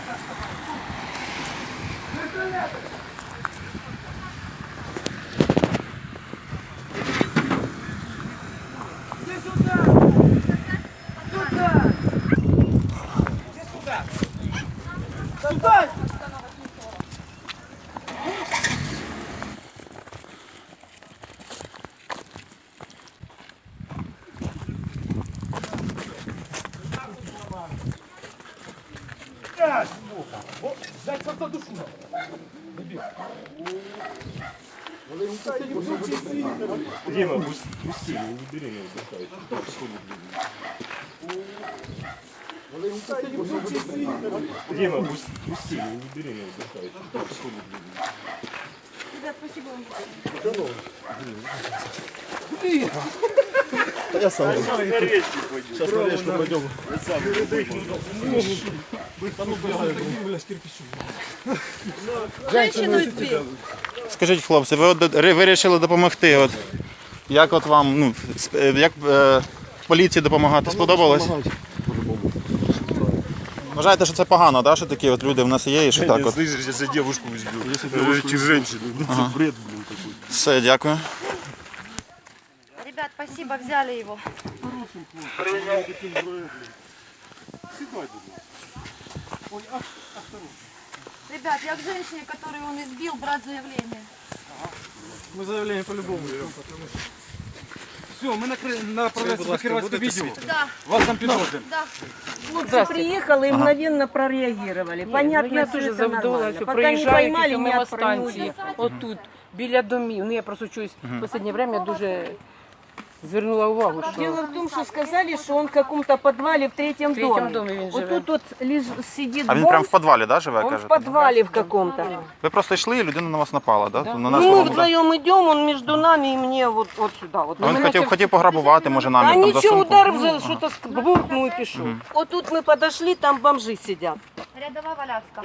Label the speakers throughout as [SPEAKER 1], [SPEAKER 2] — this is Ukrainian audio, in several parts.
[SPEAKER 1] Дима, пусти, не бери меня, запускай. Дима, пусти, не бери меня, запускай.
[SPEAKER 2] Ребят, спасибо вам.
[SPEAKER 3] Я сам. Сейчас на речку пойдем.
[SPEAKER 2] Женщину избил.
[SPEAKER 4] Скажіть, хлопці, ви вирішили допомогти. От, як от вам, ну, як поліції допомагати, сподобалось? Вважаєте, що це погано, да, що такі от люди в нас є і що так от?
[SPEAKER 1] Слышишь, сейчас я девушку избил. Чи женщину. Это бред, блин, такой.
[SPEAKER 4] Все, дякую.
[SPEAKER 2] Ребят, спасибо, взяли его. Ребят, я к женщине, которую он избил, брать заявление.
[SPEAKER 3] Мы заявление по-любому берем. Все, мы направляемся на Кировское видео.
[SPEAKER 2] Да,
[SPEAKER 3] Вас там підвозимо.
[SPEAKER 2] да.
[SPEAKER 5] Хлопцы приехали и мгновенно прореагировали. Понятно,
[SPEAKER 6] я
[SPEAKER 5] что
[SPEAKER 6] дуже
[SPEAKER 5] это
[SPEAKER 6] завдоволена,
[SPEAKER 5] нормально.
[SPEAKER 6] що
[SPEAKER 5] Пока не
[SPEAKER 6] приїжджають
[SPEAKER 5] поймали,
[SPEAKER 6] і
[SPEAKER 5] не
[SPEAKER 6] мимо
[SPEAKER 5] отстранили.
[SPEAKER 6] станції, отут, біля домів. Ну, я просто чуюсь, в останнє время дуже звернула увагу,
[SPEAKER 5] Дело
[SPEAKER 6] що
[SPEAKER 5] в том, что сказали, что он в каком-то подвале в третьем доме.
[SPEAKER 6] домі він
[SPEAKER 5] Вот
[SPEAKER 6] живе.
[SPEAKER 5] тут сидит
[SPEAKER 4] А він
[SPEAKER 5] бомж,
[SPEAKER 4] прямо в підвалі, да, живе,
[SPEAKER 5] он в
[SPEAKER 4] кажете?
[SPEAKER 5] подвале в каком-то.
[SPEAKER 4] Ви просто йшли і людина на вас напала, да? На нас
[SPEAKER 5] Ну, мы
[SPEAKER 4] самому, да?
[SPEAKER 5] вдвоем идем, он между нами и мне вот сюда. Вот.
[SPEAKER 4] А він хотів пограбувати, може,
[SPEAKER 5] А
[SPEAKER 4] намір там за
[SPEAKER 5] ничего,
[SPEAKER 4] сумку.
[SPEAKER 5] ударив, за что-то буркнул и пішов. Вот тут мы подошли, там бомжи сидят.
[SPEAKER 2] Рядовая Валявска.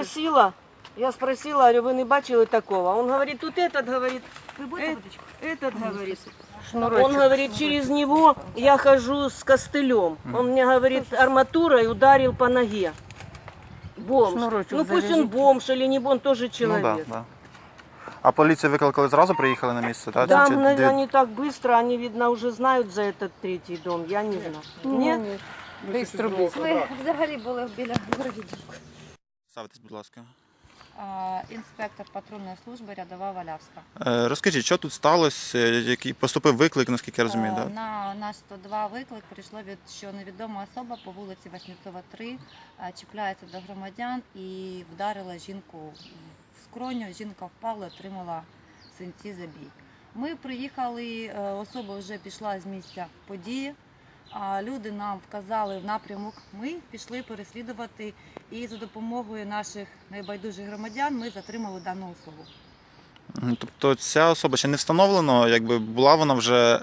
[SPEAKER 5] Я спросила, говорю, вы не бачили такого? Он говорит, тут этот, говорит,
[SPEAKER 2] Вы будете водичку?
[SPEAKER 5] этот, говорит.
[SPEAKER 6] шнурочок.
[SPEAKER 5] Он говорит, через него я хожу с костылем. Он мне говорит, арматурой ударил по ноге. Бомж.
[SPEAKER 6] Шнурочек
[SPEAKER 5] Ну пусть он
[SPEAKER 6] завяжите.
[SPEAKER 5] бомж или не бомж, он тоже
[SPEAKER 4] Ну,
[SPEAKER 5] человек.
[SPEAKER 4] да, да. А поліцію викликали зразу, приїхали на місце, так?
[SPEAKER 5] Там
[SPEAKER 4] Чи
[SPEAKER 5] они так быстро, они, видно, уже знают за этот третий дом, я не знаю. Нет?
[SPEAKER 6] Бистро.
[SPEAKER 2] Ви взагалі були біля Городівки.
[SPEAKER 4] Ставитесь, будь ласка.
[SPEAKER 7] Інспектор патрульної служби рядова Валявська.
[SPEAKER 4] Розкажіть, що тут сталося, який поступив виклик, наскільки я розумію, да?
[SPEAKER 7] На наш 102 виклик прийшло, що невідома особа по вулиці Васнецова, 3 чіпляється до громадян і вдарила жінку в скроню. Жінка впала, отримала синці, забій. Ми приїхали, особа вже пішла з місця події. Люди нам вказали в напрямок, ми пішли переслідувати і за допомогою наших найбайдужих громадян ми затримали дану особу.
[SPEAKER 4] Тобто ця особа ще не встановлено, якби була вона вже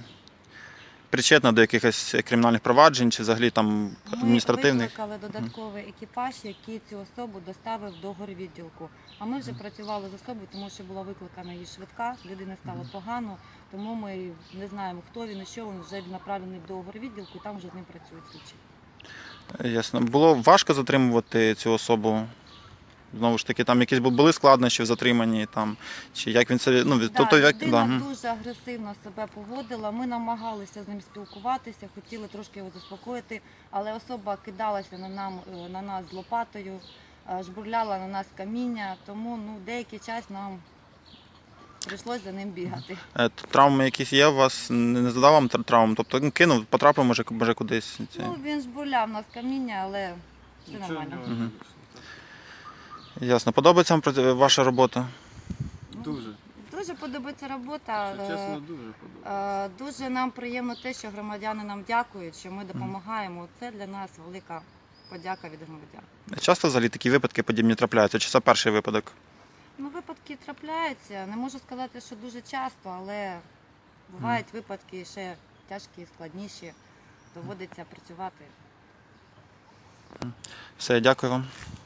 [SPEAKER 4] причетна до якихось кримінальних проваджень чи взагалі там адміністративних?
[SPEAKER 7] Ми викликали додатковий екіпаж, який цю особу доставив до горвідділку. А ми вже працювали з особою, тому що була викликана її швидка, людині стало погано, тому ми не знаємо, хто він і що він, вже направлений до горвідділку, і там вже з ним працюють слідчі.
[SPEAKER 4] Ясно. Було важко затримувати цю особу? Знову ж таки, там якісь були складнощі в затриманні, там, чи як він це... Ну, тобто, як...
[SPEAKER 7] Людина дуже агресивно себе поводила, ми намагалися з ним спілкуватися, хотіли трошки його заспокоїти, але особа кидалася на нас з лопатою, жбурляла на нас каміння, тому деякий час нам прийшлося за ним бігати.
[SPEAKER 4] Травми якісь є у вас? Не задав вам травм? Тобто кинув, потрапив, може кудись?
[SPEAKER 7] Він жбурляв нас каміння, але все нормально.
[SPEAKER 4] Ясно. Подобається вам ваша робота?
[SPEAKER 3] Дуже.
[SPEAKER 7] Дуже подобається робота.
[SPEAKER 3] Чесно, дуже подобається.
[SPEAKER 7] Дуже нам приємно те, що громадяни нам дякують, що ми допомагаємо. Це для нас велика подяка від громадян.
[SPEAKER 4] Часто взагалі такі випадки подібні трапляються? Чи це перший випадок?
[SPEAKER 7] Випадки трапляються. Не можу сказати, що дуже часто, але бувають випадки ще тяжкі, складніші. Доводиться працювати.
[SPEAKER 4] Все, дякую вам.